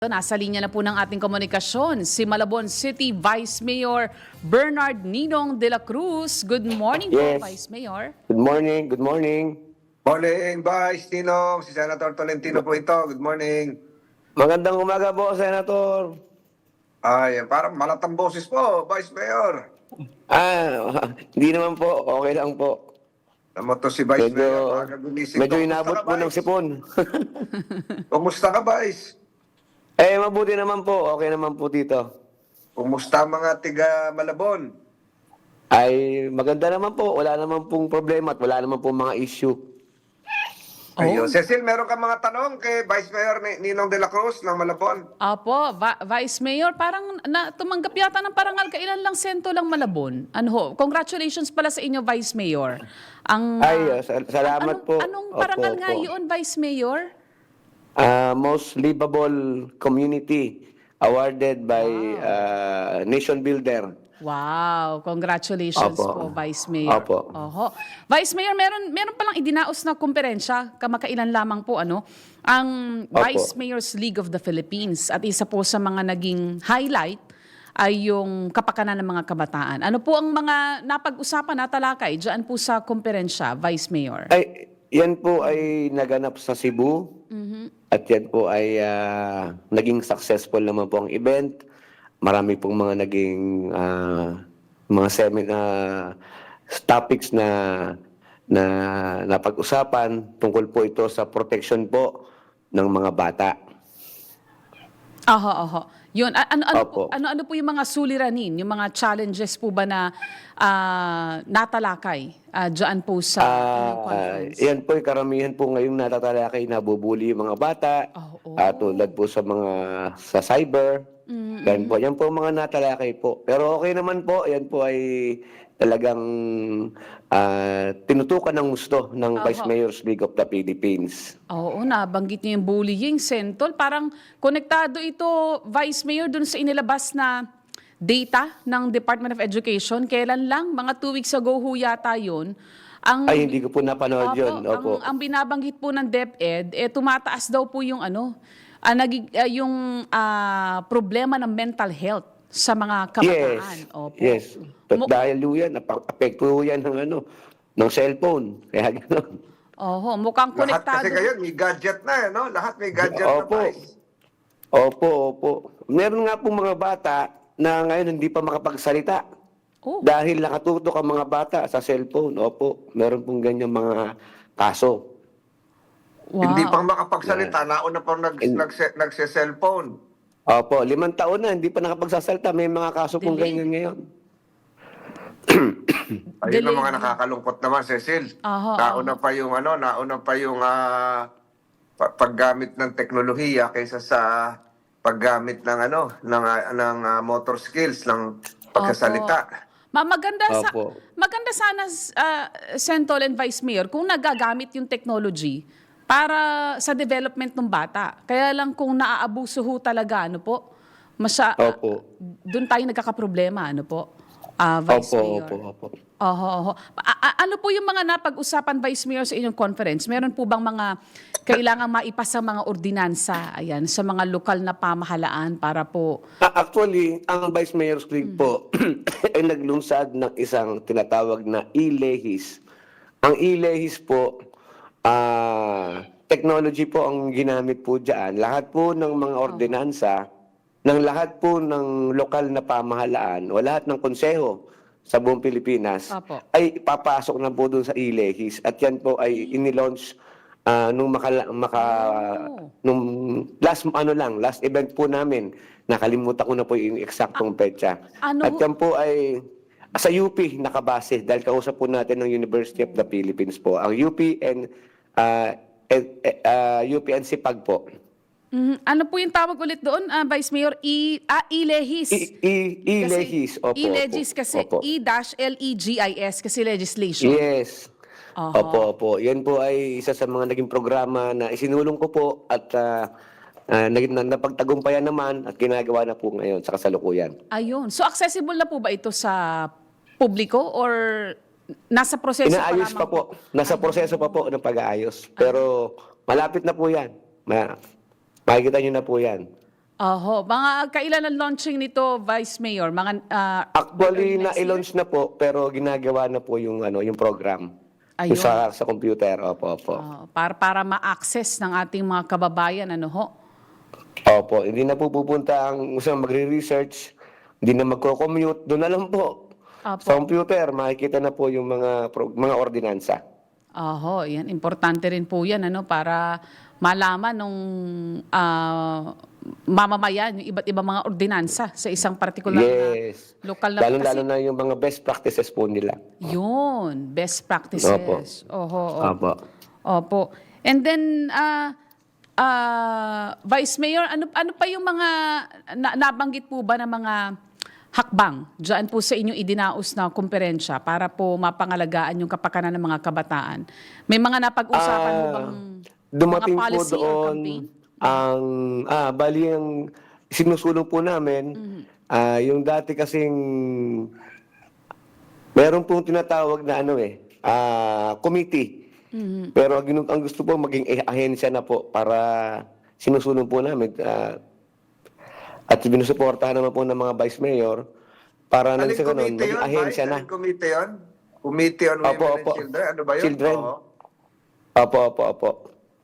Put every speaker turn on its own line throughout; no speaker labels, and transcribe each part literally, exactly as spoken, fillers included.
Nasa linya na po ng ating komunikasyon si Malabon City Vice Mayor Bernard Ninong de la Cruz. Good morning po,
Yes.
Vice Mayor.
Good morning, good morning.
Morning, Vice Tinong. Si Senator Tolentino po ito. Good morning.
Magandang umaga po, Senator.
Ay, parang malatang boses po, Vice Mayor.
Ah, hindi naman po. Okay lang po.
Naman to si Vice
Medyo,
Mayor. Maaga gumising.
medyo
Kumusta
inabot
ka,
po ng
Vice?
sipon.
Kumusta ka, Vice?
Eh, mabuti naman po. Okay naman po dito.
Kumusta ang mga tiga Malabon?
Ay, maganda naman po. Wala naman pong problema at wala naman pong mga issue.
Ayun. Cecil, meron ka mga tanong kay Vice Mayor Ni- Ninong de la Cruz ng Malabon?
Apo, Va- Vice Mayor, parang na, tumanggap yata ng parangal. Kailan lang sento lang Malabon? Ano ho? Congratulations pala sa inyo, Vice Mayor. Ang,
Ay,
ah,
uh, sal- salamat
anong,
po.
Anong
Opo,
parangal nga
opo.
yun, Vice Mayor?
Ah, most livable community awarded by ah, Nation Builder.
Wow, congratulations po,
Opo.
Vice Mayor.
Opo.
Oho. Vice Mayor, meron meron palang idinaos na komperensya, kamakailan lamang po ano, ang
Opo.
Vice Mayor's League of the Philippines at isa po sa mga naging highlight ay yung kapakanan ng mga kabataan. Ano po ang mga napag-usapan na talakay diyan po sa komperensya, Vice Mayor?
Ay, yan po ay naganap sa Cebu. At yan po ay ah, naging successful naman po ang event. Marami pong mga naging ah, mga seminar topics na na napag-usapan tungkol po ito sa protection po ng mga bata.
Aha, aha. Yun, a- ano ano po,
Opo.
ano ano po yung mga suliranin, yung mga challenges po ba na ah, natalakay uh, diyan po sa inyong
Ah,
conference?
yan po, ay karamihan po ngayong natatalakay na bubuli yung mga bata.
Oo.
Ah, tulad po sa mga sa cyber. Yan po, yan po ang mga natalakay po. Pero okay naman po, yan po ay talagang ah, tinutukan ng gusto ng Vice Mayor's League of the Philippines.
Oo, nabanggit niyo yung bullying, Sentol. Parang konektado ito, Vice Mayor, dun sa inilabas na data ng Department of Education. Kailan lang? Mga two weeks ago ho yata yun. Ang,
Ay, hindi ko po napanood yun. Opo.
Ang, ang binabanggit po ng DepEd, eh, tumataas daw po yung ano, ah, nagig- ah, yung ah, problema ng mental health sa mga kabataan.
Yes.
Opo.
Yes. At
Mu-
dahil po yan, apekto po yan ng ano, ng cellphone. Kaya gano'n.
Oho, mukhang
Lahat
konektado.
kasi ngayon, may gadget na, eh, no? Lahat may gadget
Opo.
na, Vice.
Opo, opo. Meron nga po mga bata na ngayon hindi pa makapagsalita.
Oh.
Dahil nakatutok ang mga bata sa cellphone. Opo, meron pong ganyan mga kaso.
Wow.
Hindi pang makapagsalita, nauna pang nag, nagse, nagse-cellphone.
Opo, limang taon na, hindi pa nakapagsasalita. May mga kaso pong
Delay.
ganyan ngayon.
Ayun ang
Delayed.
mga nakakalungkot naman, Cecil.
Aha,
nauna pa yung ano, nauna pa yung ah, pa- paggamit ng teknolohiya kaysa sa paggamit ng ano, ng ah, ng ah, motor skills ng pagsasalita.
Ma maganda sa
Opo.
maganda sana uh, Sentol and Vice Mayor kung nagagamit yung technology para sa development ng bata. Kaya lang kung naaabuso ho talaga ano po, masya
Opo.
doon tayo nagkakaproblema ano po. Ah, Vice
Opo,
Mayor.
opo, opo.
Oho, oho. A- a- ano po yung mga napag-usapan, Vice Mayor, sa inyong conference? Meron po bang mga kailangan maipasa mga ordinansa ayan, sa mga lokal na pamahalaan para po...
Ah, Actually, ang Vice Mayor's League po ay naglunsad ng isang tinatawag na e-lehis. Ang e-lehis po, ah, technology po ang ginamit po dyan. Lahat po ng mga ordinansa, ng lahat po ng lokal na pamahalaan o lahat ng konseho sa buong Pilipinas
Apo.
ay papasok na po doon sa e-lehis. At yan po ay inilaunch ah, nung maka, maka
Oh.
nung last ano lang, last event po namin. Nakalimutan ko na po yung eksaktong petsa.
ano
At
ho-
yan po ay sa U P nakabase dahil kausap po natin ng University of the Philippines po. Ang U P and ah, eh, eh, ah, U P and SIPAG po.
Mhm. Ano po yung tawag ulit doon, ah, Vice Mayor? I, ah, I-lehis.
I- I- I-lehis. Opo,
I-legis
opo.
kasi.
Opo.
E-L E G I S kasi legislation.
Yes.
Aha.
Opo, opo. Yan po ay isa sa mga naging programa na isinulong ko po at uh, uh, naging na, napagtagumpayan naman at ginagawa na po ngayon sa kasalukuyan.
Ayun. So accessible na po ba ito sa publiko or nasa proseso
Inaayos
pa
pa
lamang
po. Nasa proseso pa po ng pag-aayos. Pero malapit na po yan. Ma makikita nyo na po yan.
Oho, mga kailan ang launching nito, Vice Mayor? Mga ah,
Actually,
next year?
na-launch na po, pero ginagawa na po yung, ano, yung program. Yung
Ayun.
sa, sa computer, opo, opo.
Ah, para para ma-access ng ating mga kababayan, ano ho?
Opo, hindi na po pupunta ang isang magre-research, hindi na magko-commute, doon na lang po.
Opo.
Sa computer, makikita na po yung mga pro- mga ordinansa.
Oho, yan. Importante rin po yan, ano, para malaman nung ah, mamamayan, yung iba't ibang mga ordinansa sa isang partikular
Yes.
na lokal na
Lalo-lalo na yung mga best practices po nila.
Yun, best practices.
Opo.
Oho, opo.
Opo.
Opo. And then, ah, ah, Vice Mayor, ano, ano pa yung mga, na, nabanggit po ba ng mga hakbang dyan po sa inyong idinaos na kumperensya para po mapangalagaan yung kapakanan ng mga kabataan? May mga napag-usapan mo
Ah,
bang
dumating
mga
po
policy or
doon
campaign?
ang ah bali ang sinusulong po namin
Mm-hmm.
ah yung dati kasing meron pong tinatawag na ano eh ah committee.
Mm-hmm.
Pero ang, ginu- ang gusto po maging eh- ahensya na po para sinusulong po namin ah, at binusuportahan naman po ng mga vice mayor para nang
Aling
sa ganun
committee
maging
yun,
ahensya
Vice?
na.
Aling committee yun? Committee on Women
Opo,
and
opo.
Children? Ano ba yun?
Children.
Oo.
Opo, opo, opo.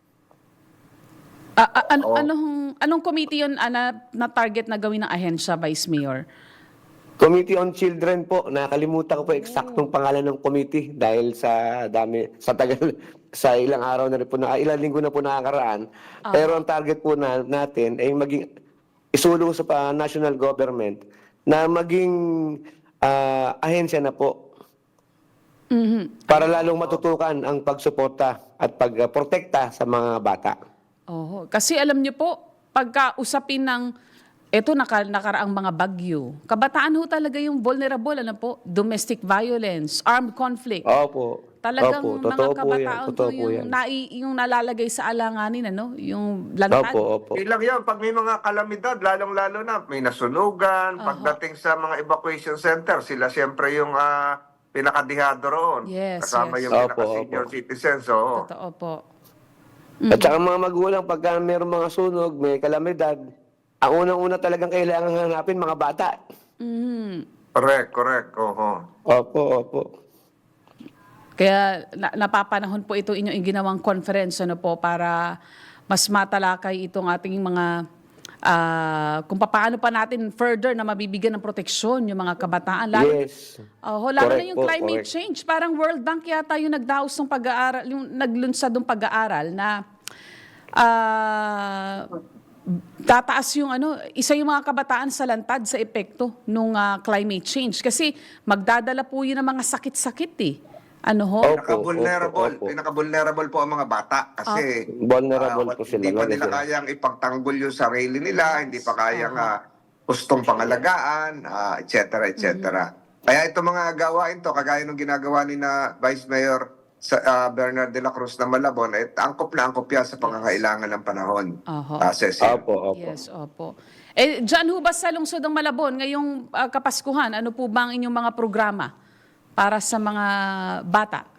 Ah, ah, ano,
Oo.
anong, anong committee yun ah, na, na target na gawin ng ahensya, Vice Mayor?
Committee on Children po. Nakalimutan ko po eksaktong pangalan ng committee dahil sa dami, sa tagal, sa ilang araw na rin po, na, ilang linggo na po nakakaraan. Pero ang target po na, natin ay maging isulong sa pa, national government na maging ah, ahensya na po
Mhm.
para lalong matutukan ang pagsuporta at pagprotekta sa mga bata.
Oo. Kasi alam niyo po, pagka usapin ng eto naka, nakaraang mga bagyo, kabataan ho talaga yung vulnerable, ano po, domestic violence, armed conflict.
Opo.
Talagang
Opo,
mga
totoo po yan.
kabataan
Totoo
po
po
yung,
yan.
nai, yung nalalagay sa alanganin, ano, yung lantad.
Opo, opo.
Ilang yan, pag may mga kalamidad, lalong-lalo na, may nasunugan,
Aha.
pagdating sa mga evacuation center, sila siyempre yung ah, pinakadihado roon.
Yes,
Kasama
yes.
yung
Opo,
pinaka-senior
opo.
citizens. Oo.
Totoo po.
At saka mga magulang, pagka mayroong mga sunog, may kalamidad, ang unang-una talagang kailangan hanapin mga bata.
Mhm.
Correct, correct. Oo.
Opo, opo.
Kaya na, napapanahon po ito inyong ginawang conference, ano po, para mas matalakay itong ating mga ah, kung paano pa natin further na mabibigyan ng proteksyon yung mga kabataan. Lalo,
Yes.
Oh, lalo na
Correct
yung
po,
climate
correct.
change. Parang World Bank yata yung nagdaos ng pag-aaral, yung naglunsad ng pag-aaral na ah, tataas yung ano, isa yung mga kabataan sa lantad sa epekto ng climate change. Kasi magdadala po yun ng mga sakit-sakit eh. Ano ho?
Opo,
Pinaka-vulnerable.
opo, opo.
Pinaka-vulnerable po ang mga bata kasi
Vulnerable
ah,
po sila.
hindi pa
Lalo
nila
sila.
kayang ipagtanggol yung sarili nila, hindi pa kayang ah, gustong pangalagaan, ah, et cetera, et cetera. Kaya ito mga gawain to, kagaya ng ginagawa ni na Vice Mayor sa, ah, Bernard de la Cruz na Malabon, eh, angkop na angkop yan sa pangangailangan ng panahon.
Oho.
Ah, Cecil.
Opo, opo.
Yes, opo. Eh, dyan ho ba sa lungsod ng Malabon, ngayong ah, Kapaskuhan, ano po ba ang inyong mga programa para sa mga bata?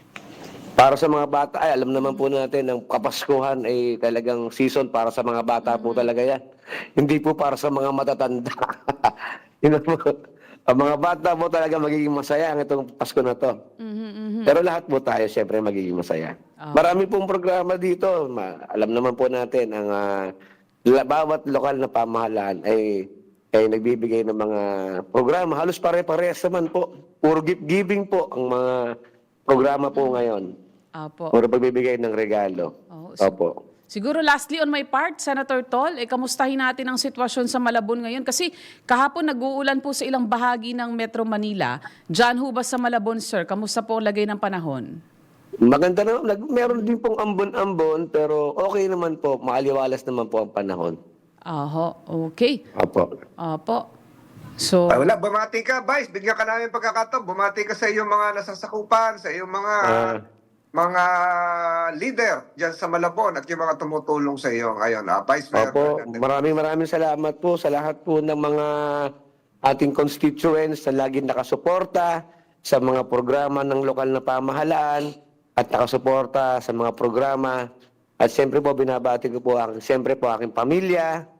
Para sa mga bata, ay alam naman po natin, ang Kapaskuhan ay talagang season para sa mga bata po talaga yan. Hindi po para sa mga matatanda. Yun ang mga- ang mga bata po talaga magiging masaya ang itong Pasko na to. Pero lahat po tayo siyempre magiging masaya. Marami pong programa dito. Ma- alam naman po natin, ang ah, la- bawat lokal na pamahalaan ay ay nagbibigay ng mga programa. Halos pare-parehas naman po. Puro gift giving po ang mga programa po ngayon.
Opo.
Puro pagbibigay ng regalo.
Oo, so-
Opo.
Siguro lastly on my part, Senator Tol, eh, kamustahin natin ang sitwasyon sa Malabon ngayon? Kasi kahapon nag-uulan po sa ilang bahagi ng Metro Manila. Diyan ho ba sa Malabon, sir? Kamusta po ang lagay ng panahon?
Maganda na. Nag- meron din pong ambon-ambon, pero okay naman po. Maaliwalas naman po ang panahon.
Aho, okay.
Opo.
Opo. So,
Ah, wala, bumati ka, Vice. Bigyan ka namin pagkakataon. Bumati ka sa iyong mga nasasakupan, sa iyong mga
Ah.
mga leader dyan sa Malabon at yung mga tumutulong sa iyo ngayon. Ah, Vice Mayor
Opo,
Bernadette.
maraming maraming salamat po sa lahat po ng mga ating constituents na laging nakasuporta sa mga programa ng lokal na pamahalaan at nakasuporta sa mga programa. At siyempre po binabati ko po ang siyempre po aking pamilya,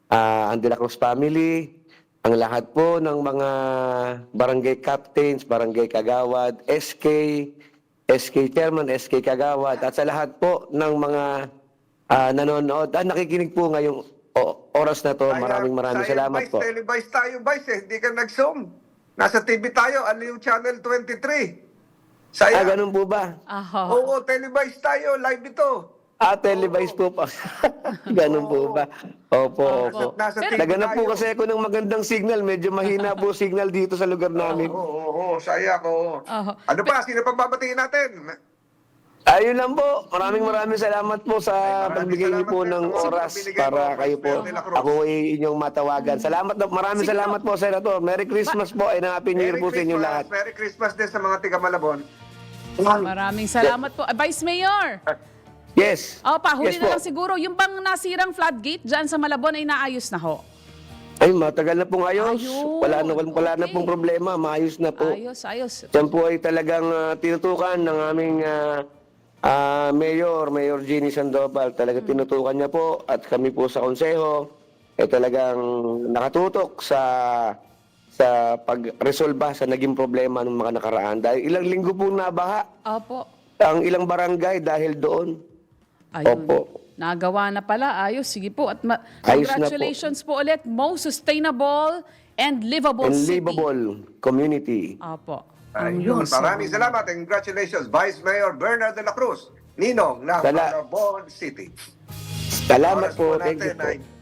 ah, ang De La Cruz family, ang lahat po ng mga barangay captains, barangay kagawad, S K, S K chairman, S K kagawad, at sa lahat po ng mga ah, nanonood at nakikinig po ngayong o- oras na to. Maraming maraming
Sayang,
salamat
Vice,
po.
Televice tayo, Vice, eh. Hindi ka nag-zoom. Nasa T V tayo, Aliw Channel twenty-three.
Ah,
Sayang.
ganun po ba?
Aha.
Oo, Televice tayo, live ito.
Ah, televised po pa. Ganun po ba? Opo, opo.
Nasa, nasa T V
Naganap po
tayo.
kasi ako ng magandang signal. Medyo mahina po signal dito sa lugar namin.
Oo, oo, oo, sayang, oo.
Oo.
Ano pa, sino pang babatiin natin?
Ayun lang po. Maraming maraming salamat po sa
maraming
pagbigay niyo po
salamat
ng
din sa mga
oras
binigay
para
mo,
kayo
Vice
po.
Mayor de la Cruz.
Ako ay inyong matawagan. Salamat na. Maraming
Sige
salamat po, Senator. Merry Christmas po and Happy New Year
Merry
po sa inyong
Christmas,
lahat.
Merry Christmas din sa mga tiga Malabon.
Maraming salamat po. Ah, Vice Mayor!
Yes.
Oh, pahuli
Yes
na
po.
lang siguro. Yung bang nasirang floodgate dyan sa Malabon ay naayos na ho?
Ay, matagal na pong ayos.
Ayun.
Wala na, wala na
Okay.
pong problema. Maayos na po.
Ayos, ayos.
Yan po ay talagang ah, tinutukan ng aming ah, ah, Mayor, Mayor Jeannie Sandoval. Talagang tinutukan niya po at kami po sa konseho ay talagang nakatutok sa sa pagresolba sa naging problema ng mga nakaraan. Dahil ilang linggo po nabaha
Opo.
ang ilang barangay dahil doon.
Ayun.
Opo.
Nagawa na pala. Ayos. Sige po. At ma-
Ayos na po.
congratulations po. ulit. Most sustainable and livable
And
city.
livable community.
Opo.
Ayun, maraming salamat and congratulations, Vice Mayor Bernard de la Cruz, Ninong ng
Sala-
Malabon City.
Salamat
Oras
po. Thank you
natin
po.
ay